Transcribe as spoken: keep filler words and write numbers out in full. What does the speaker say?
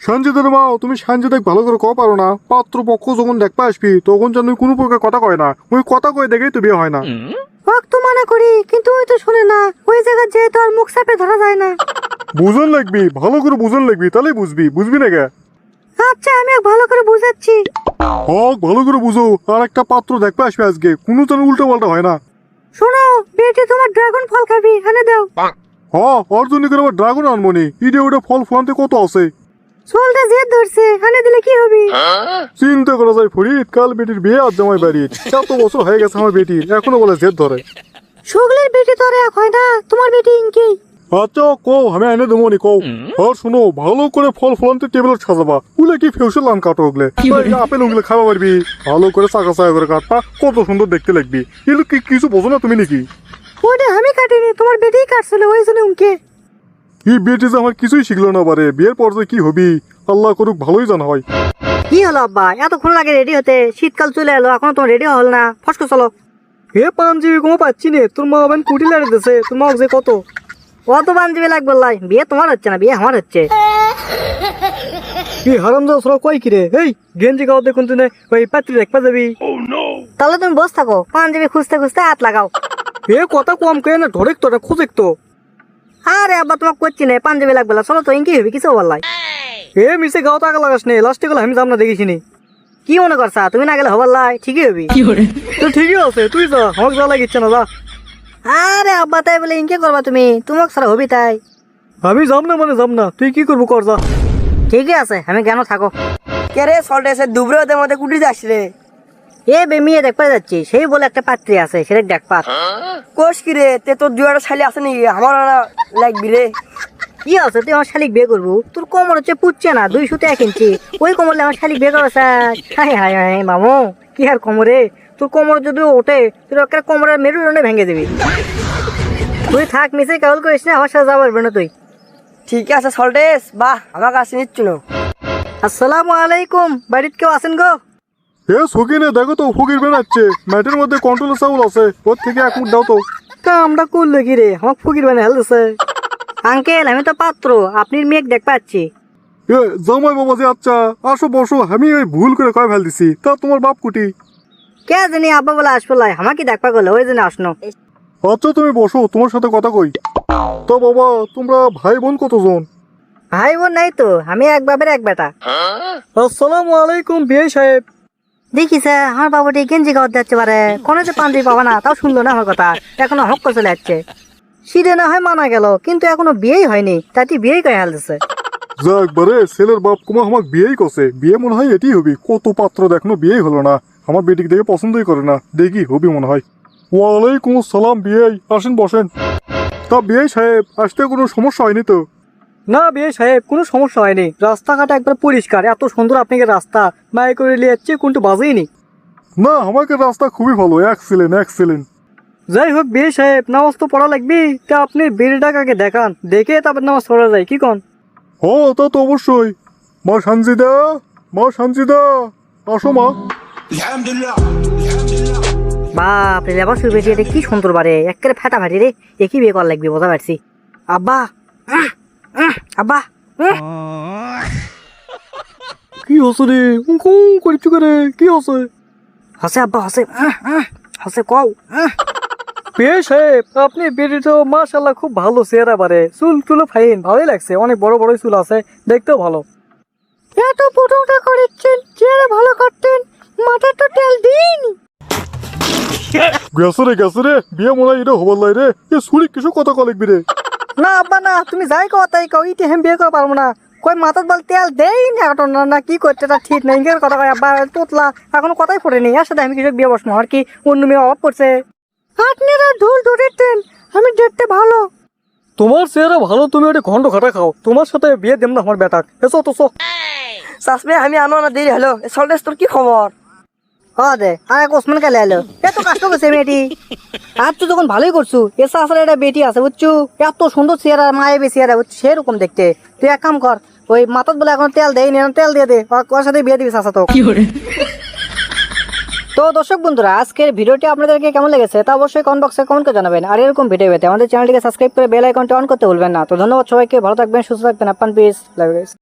সঞ্জিতের মা, তুমি সঞ্জিত ভালো করে কও পারো না? পাত্র পক্ষ যখন দেখতে আসবি তখন যেন কোনো প্রকার কথা কয় না, ওই কথা কয়ে দেখেই তো বিয়ে হয় না। ওকে তো মানা করি কিন্তু ওই তো শুনে না, ওই জায়গায় যেয়ে তো আর মুখ চাপে ধরা যায় না। বুঝন লাগবি, ভালো করে বুঝন লাগবি, তাহলেই বুঝবি। বুঝবি না কে? আচ্ছা আমি ওকে ভালো করে বুঝাচ্ছি। হক ভালো করে বুঝো, আর একটা পাত্র দেখতে আসবে আজকে, কোনো যেন উল্টো পাল্টা হয় না। শোনো বেটি, তোমার ড্রাগন ফল খাবি, এনে দাও। হ অর্জনী করে আবার ড্রাগন আনমনি, ইডে ওটা ফল ফলান্তে কত আছে। চুলটা জেদ ধরছে, এনে দিলে কি হবে? চিন্তা করা যায় ফরিদ, কাল বেটির বিয়ে আর জামাই বাড়ির, কত বছর হয়ে গেছে আমার বেটির, এখনো বলে জেদ ধরে। সুগলির বেটি তো আর এক হয় না, তোমার বেটি ইনকি। আচ্ছা কও, আমি এনে দেবো নি কও। আর শোনো, ভালো করে ফল ফলান্তে টেবিল সাজাবা, উলে কি ফেউসে লান কাটো ওগুলো, আপেল ওগুলো খাওয়া পারবি, ভালো করে চাকা চাকা করে কাটবা, কত সুন্দর দেখতে লাগবি। এগুলো কি কিছু বোঝো না তুমি নাকি? ওটা আমি কাটিনি, তোমার বেটিই কাটছিল, ওই জন্য উনকে। এই বেটি যে আমার কিছুই শিখলো না পারে, বিয়ের পর যে কি হবি আল্লাহ করুক, ভালোই জানা হয়। কি হলো আব্বা, এতক্ষণ লাগে রেডি হতে? শীতকাল চলে এলো, এখনো তোমার রেডি হল না? ফসকে চলো। হে পাঞ্জাবি কোনো পাচ্ছি নে, তোর মা আবার কুটি লাড়ে দিছে, তোর মা যে কত অত বান্ধবী লাগবে লাই, বিয়ে তোমার হচ্ছে না, বিয়ে আমার হচ্ছে। কি হারাম যাও সরা কয় কিরে, এই গেঞ্জি গাও দেখুন তুই ওই পাত্রী দেখবা যাবি। তাহলে তুমি বস থাকো, পাঞ্জাবি খুঁজতে খুঁজতে হাত লাগাও। এ কথা কম কে না, ধরেক তোটা খুঁজেক তো। আরে আব্বা তোমাকে করছি না, পাঞ্জাবি লাগবে না, চলো তো, ইনকি হবি কিছু বললাই। এ মিশে গাও টাকা লাগাস নে, লাস্টে গেলে আমি যাম না দেখিসনি। কি মনে করছা, তুমি না গেলে হবার লাই, ঠিকই হবি। তো ঠিকই আছে, তুই যা, আমাকে যা লাগিচ্ছে না, যা। আরে আব্বা তাই বলে ইনকে করবা তুমি, তোমাকে ছাড়া হবি তাই। আমি যাম না মানে যাম না, তুই কি করবো কর যা। ঠিকই আছে, আমি কেন থাকো। কে রে সল্টে এসে দুবরে ওদের মধ্যে কুটি যাস রে? এ বে মেয়ে দেখতে যাচ্ছি, সেই বলে একটা পাত্রী আছে, সেটা দেখ পাত। কোষ কি রে, তে তোর দুয়ারা শালি আছে নাকি? আমার লাগবি রে। কি আছে, তুই আমার শালিক বিয়ে করবো? তোর কোমর হচ্ছে পুচ্ছে না, দুই সুতে এক ইঞ্চি, ওই কোমরলে আমার শালিক বিয়ে করা স্যার। হাই হাই হাই মামু, কি আর কোমরে, তোর কোমর যদি ওঠে তুই একটা কোমরের মেরুদণ্ডে ভেঙে দিবি। তুই থাক, মিশে কেবল করিস না, আমার সাথে যাওয়া পারবে না তুই। ঠিক আছে সল্টেস, বাহ আমার কাছে নিচ্ছ না। আসসালামু আলাইকুম, বাড়িতে কেউ আছেন গো? এ সকিনে দেখো তো, ফকির বেড়াচ্ছে, ম্যাটের মধ্যে কন্ট্রোলের চাউল আছে, ওর থেকে এক মুঠ দাও তো। কামটা করলে কি রে, আমাকে ফকির বানিয়ে হেলতেছে। আঙ্কেল আমি তো পাত্র, আপনি মেঘ দেখ পাচ্ছি। এ জামাই বাবা যে, আচ্ছা আসো বসো, আমি ওই ভুল করে কয় ফেল দিছি, তা তোমার বাপ কুটি। কে জানি আব্বা বলে আসবো লাই, আমাকে দেখবা গেলো, ওই জন্য আসনো। আচ্ছা তুমি বসো, তোমার সাথে কথা কই। তো বাবা, তোমরা ভাই বোন কতজন? ভাই বোন নাই তো, আমি এক বাপের এক বেটা। আসসালামু আলাইকুম বিয়ে সাহেব। দেখিস আমার বাবুটি গেঞ্জি খাওয়া যাচ্ছে পারে, কোনো যে পাঞ্জাবি পাবা না, তাও শুনলো না আমার কথা, এখনো হক করে চলে যাচ্ছে। সিঁড়ে না হয় মানা গেল, কিন্তু এখনো বিয়েই হয়নি, তাতে বিয়েই করে হালতেছে। যাক বারে, ছেলের বাপ কুমা আমাকে বিয়েই করছে, বিয়ে মনে হয় এটি হবি। কত পাত্র দেখনো, বিয়েই হলো না, আমার বেটিকে দেখে পছন্দই করে না, দেখি হবি মনে হয়। ওয়ালাইকুম আসসালাম বিয়েই, আসেন বসেন। তা বিয়ে সাহেব, আসতে কোনো সমস্যা হয়নি তো? না বিয়ে সাহেব, কোনো সমস্যা হয়নি, রাস্তাঘাট একবার পরিষ্কার, এত সুন্দর আপনাকে রাস্তা, মায়ে করে নিয়ে যাচ্ছে, কোনটা বাজেইনি। না আমাকে রাস্তা খুবই ভালো, এক্সিলেন্ট এক্সিলেন্ট। যাই হোক বিয়ে সাহেব, নামাজ তো পড়া লাগবে, তা আপনি বেড়িটাকে দেখান, দেখে তারপর নামাজ পড়া যায়, কি কন? ও তা তো অবশ্যই। মা সানজিদা, মা সানজিদা, আসো মা। বাপ রে, আবার শুয়ে বেটি, এটা কি সুন্দর বারে, একেবারে ফাটা ফাটি রে, একই বিয়ে করা লাগবে, বোঝা পারছি। আব্বা উহ, উহ, আব্বা উহ। কি হচ্ছে রে, উঁ করছু করে, কি হচ্ছে? হসে আব্বা হসে, উহ, উহ, হসে কও উহ। বিয়ে সাহেব, আপনি বেড়ি তো মাশাল্লাহ খুব ভালো চেহারা বারে, চুল টুলো ফাইন, ভালোই লাগছে, অনেক বড় বড় চুল আছে, দেখতেও ভালো। এত পুটুটা করেছেন, চেহারা ভালো করতেন, মাথা তো তেল দিন। গেছে রে গেছে রে, বিয়ে মনে হয় এটা হবার লাই রে, এ সুরি কিছু কথা কলিকবি রে। না আব্বা না, তুমি যাই কও তাই কও, ইতে আমি বিয়ে করতে পারবো না। কই মাথার বল তেল দেই না, এখন না না কি করতে, তা ঠিক নাই, ইংরের কথা কয় আব্বা, তোতলা এখনো কথাই ফোটেনি, এর সাথে আমি কিছু বিয়ে বসবো, আর কি অন্য মেয়ে অভাব পড়ছে। আপনারা ঢোল ধরেছেন, আমি দেখতে ভালো। তোমার চেহারা ভালো, তুমি ওটা ঘন্ট খাটা খাও, তোমার সাথে বিয়ে দেব না আমার বেটাক, এসো তো সো। চাষমে আমি আনো না দেরি হলো। সল্টেস তোর কি খবর? হ দে, আর এক ওসমান কালে এলো, এত কষ্ট করছে মেয়েটি। আর তুই যখন ভালোই করছু, এসে আসলে একটা বেটি আছে বুঝছু, এত সুন্দর চেহারা, মায়াবী চেহারা, সেরকম দেখতে। তুই এক কাম কর, ওই মাথাত বলে এখন তেল দেই না, তেল দিয়ে দে, ওর সাথে বিয়ে দিবি চাচা তো। তো দর্শক বন্ধুরা, আজকের ভিডিওটি আপনাদেরকে কেমন লেগেছে তা অবশ্যই কমেন্ট বক্সে কমেন্ট করে জানাবেন। আর এরকম ভিডিও পেতে আমাদের চ্যানেলটিকে সাবস্ক্রাইব করে বেল আইকনটি অন করতে ভুলবেন না। তো ধন্যবাদ সবাইকে, ভালো থাকবেন, সুস্থ থাকবেন, আপান পিস, লাভ ইউ গাইস।